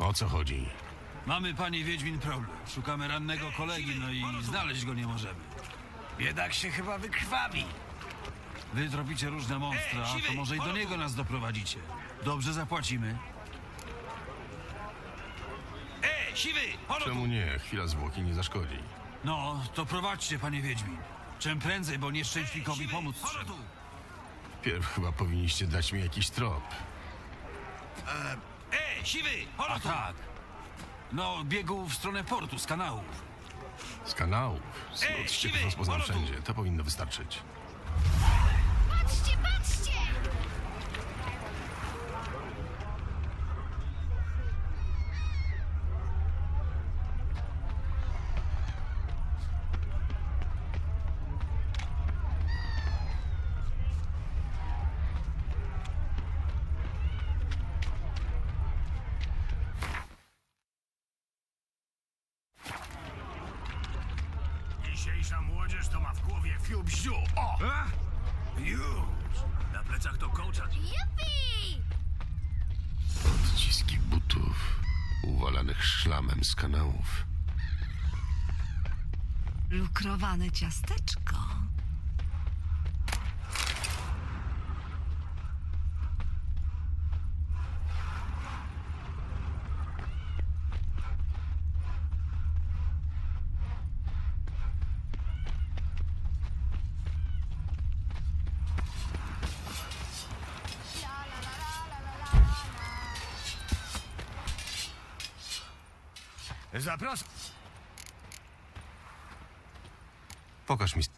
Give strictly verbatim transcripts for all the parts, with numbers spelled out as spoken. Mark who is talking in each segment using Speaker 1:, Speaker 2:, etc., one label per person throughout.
Speaker 1: O co chodzi?
Speaker 2: Mamy, panie Wiedźmin, problem. Szukamy rannego kolegi, no i znaleźć go nie możemy.
Speaker 3: Biedak się chyba wykrwawi.
Speaker 2: Wy tropicie różne monstra,
Speaker 3: Ej, siwy,
Speaker 2: to może i do
Speaker 3: halo
Speaker 2: niego
Speaker 3: tu.
Speaker 2: nas doprowadzicie. Dobrze zapłacimy.
Speaker 3: E, siwy, holo tu.
Speaker 1: Czemu nie? Chwila zwłoki nie zaszkodzi.
Speaker 2: No, to prowadźcie, panie Wiedźmin. Czym prędzej, bo nieszczęśnikowi
Speaker 3: Siwy,
Speaker 2: pomóc
Speaker 3: holo
Speaker 2: trzeba.
Speaker 3: tu.
Speaker 1: Wpierw chyba powinniście dać mi jakiś trop.
Speaker 3: E, siwy, holo
Speaker 2: A
Speaker 3: tu.
Speaker 2: tak. No, biegł w stronę portu z kanałów.
Speaker 1: Z kanałów.
Speaker 3: Ej,
Speaker 1: Smród
Speaker 3: siwy,
Speaker 1: ścieków rozpoznam
Speaker 3: holo tu.
Speaker 1: wszędzie. To powinno wystarczyć.
Speaker 4: Patrzcie, patrzcie!
Speaker 3: Dzisiejsza młodzież to ma w głowie fiu-bziu. O! A? Już. Na plecach to kołczat.
Speaker 4: Jupi!
Speaker 1: Odciski butów uwalanych szlamem z kanałów.
Speaker 5: Lukrowane ciasteczko.
Speaker 3: Zapraszam.
Speaker 1: Pokaż mi...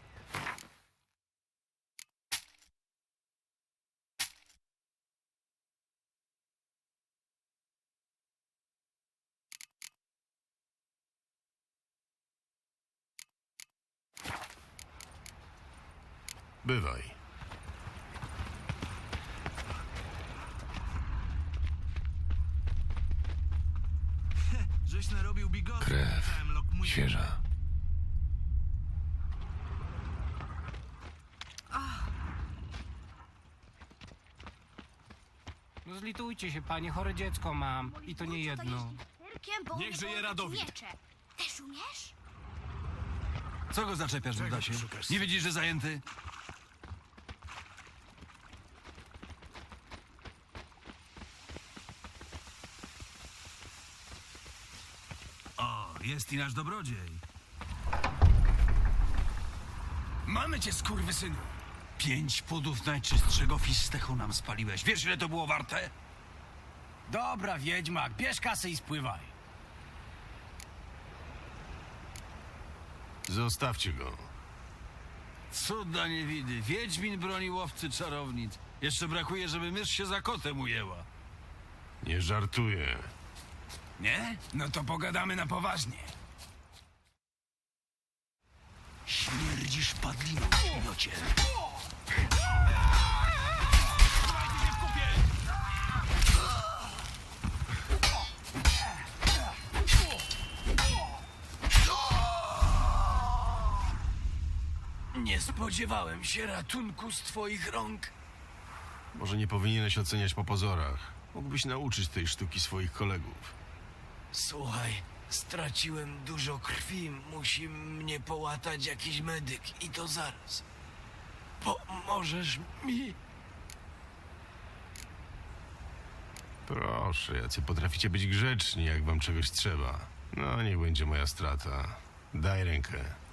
Speaker 1: Bywaj.
Speaker 3: Żeś narobił bigotów.
Speaker 1: Krew.
Speaker 3: Całym lokmuję.
Speaker 1: Świeża.
Speaker 6: No zlitujcie się, panie, chore dziecko mam. I to nie jedno.
Speaker 3: Niech żyje Radowid.
Speaker 4: Miecze. Też umiesz?
Speaker 2: Co go zaczepiasz, Dudasie?
Speaker 3: szukasz?
Speaker 2: Nie widzisz, że zajęty? O, jest i nasz dobrodziej.
Speaker 3: Mamy cię, skurwysynu.
Speaker 2: Pięć pudów najczystszego fistechu nam spaliłeś. Wiesz, ile to było warte?
Speaker 3: Dobra, wiedźmak, bierz kasę i spływaj.
Speaker 1: Zostawcie go.
Speaker 2: Cuda niewidy. Wiedźmin broni łowcy czarownic. Jeszcze brakuje, żeby mysz się za kotem ujęła.
Speaker 1: Nie żartuję.
Speaker 3: Nie? No to pogadamy na poważnie.
Speaker 2: Śmierdzisz padliną, miocie.
Speaker 3: Nie spodziewałem się ratunku z twoich rąk.
Speaker 1: Może nie powinieneś oceniać po pozorach. Mógłbyś nauczyć tej sztuki swoich kolegów.
Speaker 3: Słuchaj, straciłem dużo krwi. Musi mnie połatać jakiś medyk i to zaraz. Pomożesz mi?
Speaker 1: Proszę, jacy potraficie być grzeczni, jak wam czegoś trzeba. No, niech będzie moja strata. Daj rękę.